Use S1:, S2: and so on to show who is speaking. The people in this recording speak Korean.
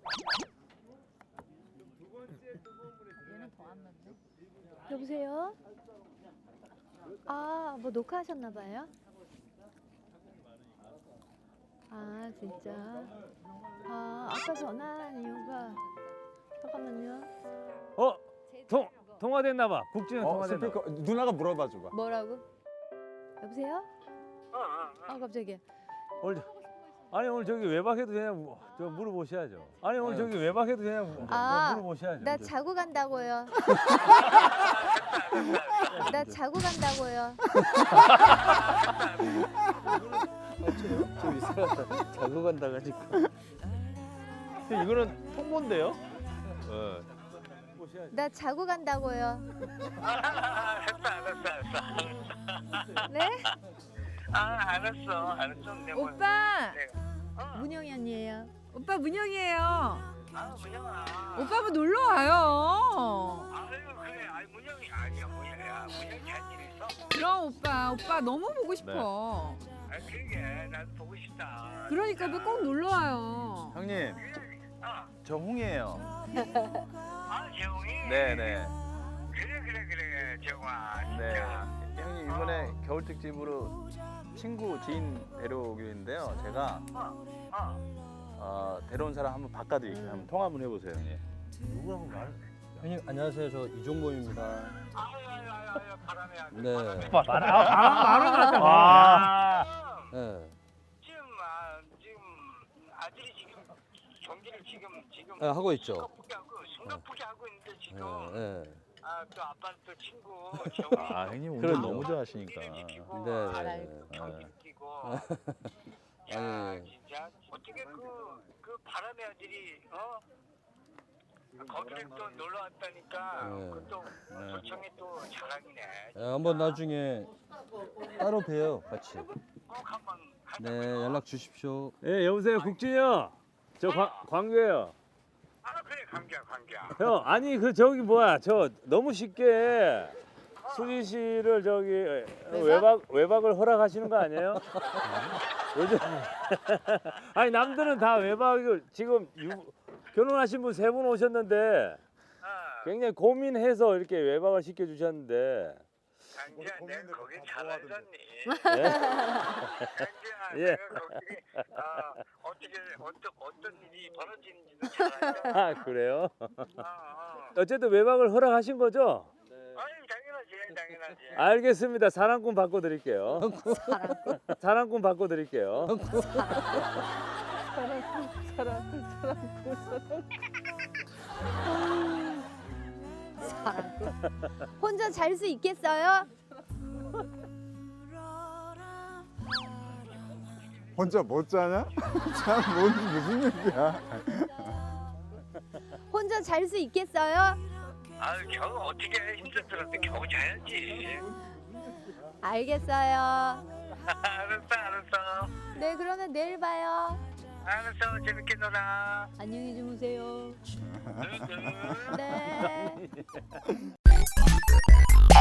S1: 여보세요? 아, 뭐 녹화하셨나 봐요? 아, 진짜. 아, 아까 전화한 이유가 잠깐만요.
S2: 통화됐나 봐. 국진은 통화됐나 봐.
S3: 스피커 누나가 물어봐 줘봐.
S1: 뭐라고? 여보세요? 아, 갑자기.
S2: 오늘 저기 외박해도 되냐 저 물어보셔야죠. 아니 오늘 저기 외박해도 되냐 물어보셔야죠.
S1: 나 자고 간다고요. 나 자고 간다고요.
S4: 좀 이상하다. 자고 간다 가지고. 이거는 통보인데요?
S1: 나 자고 간다고요.
S5: 알았어.
S1: 네?
S5: 알았어.
S6: 오빠,
S1: 문영이 언니예요.
S6: 오빠 문영이에요.
S5: 문영아.
S6: 오빠 한번 놀러 와요.
S5: 아유, 그래. 문영이 아니야. 문영이 할 일 있어?
S6: 그럼 오빠 너무 보고 싶어.
S5: 그러게. 나도 보고 싶다.
S6: 그러니까 오빠 꼭 놀러 와요.
S4: 형님, 저 홍이에요.
S5: 재홍이?
S4: 네네.
S5: 그래, 재홍아.
S4: 네.
S5: 진짜.
S4: 형님 이번에 겨울 특집으로 친구 지인 데려오기로 했는데요. 제가 데려온 사람 한번 바꿔드릴게요. 한번 통화 한번 해보세요, 형님.
S2: 누구하고 말?
S7: 형님 안녕하세요. 저 이종범입니다.
S5: 아유, 바람이야.
S7: 네.
S2: 말은 같다.
S7: 네.
S5: 지금 아들이 지금 경기를 지금
S7: 네, 하고 있죠.
S5: 숨가쁘게 하고 있는데 지금
S7: 네.
S5: 또 아빠는 또 친구 재홍이
S4: 형님 운전
S7: 그럼요.
S4: 너무 좋아하시니까.
S5: 지키고
S7: 네.
S5: 경기 지키고
S7: 아니.
S5: 야 진짜 어떻게 그 바람의 아들이 거기를 또 놀러 왔다니까
S7: 네.
S5: 그또 도청이 또 자랑이네.
S7: 한번 나중에 따로 봬요, 같이.
S5: 꼭 한번 하자.
S7: 네, 연락 주십시오.
S2: 예, 여보세요, 국진이 형. 저 광규예요.
S5: 그래 관계야.
S2: 형, 아니 저기 뭐야, 저 너무 쉽게 수지 씨를 저기 외박을 허락하시는 거 아니에요? 요즘 아니 남들은 다 외박을 지금 결혼하신 분 3분 오셨는데 굉장히 고민해서 이렇게 외박을 시켜주셨는데.
S5: 강지야, 내가 거기 잘 알잖니. 강지야,
S2: 예.
S5: 내가 거기 어떤 일이 벌어지는지도 잘 알잖아.
S2: 아 그래요? 어쨌든 외박을 허락하신 거죠?
S5: 아니 당연하지.
S2: 알겠습니다. 사랑꾼 바꿔드릴게요. 사랑꾼 바꿔드릴게요.
S1: 혼자 잘 수 있겠어요?
S3: 혼자 못 자냐? 참 무슨 얘기야?
S1: 혼자 잘 수 있겠어요?
S5: 겨우 어떻게 힘들었는데 겨우 자야지.
S1: 알겠어요.
S5: 알았어.
S1: 네, 그러면 내일 봐요.
S5: 알았어, 재밌게 놀아.
S1: 안녕히 주무세요.
S5: 응.
S1: 네.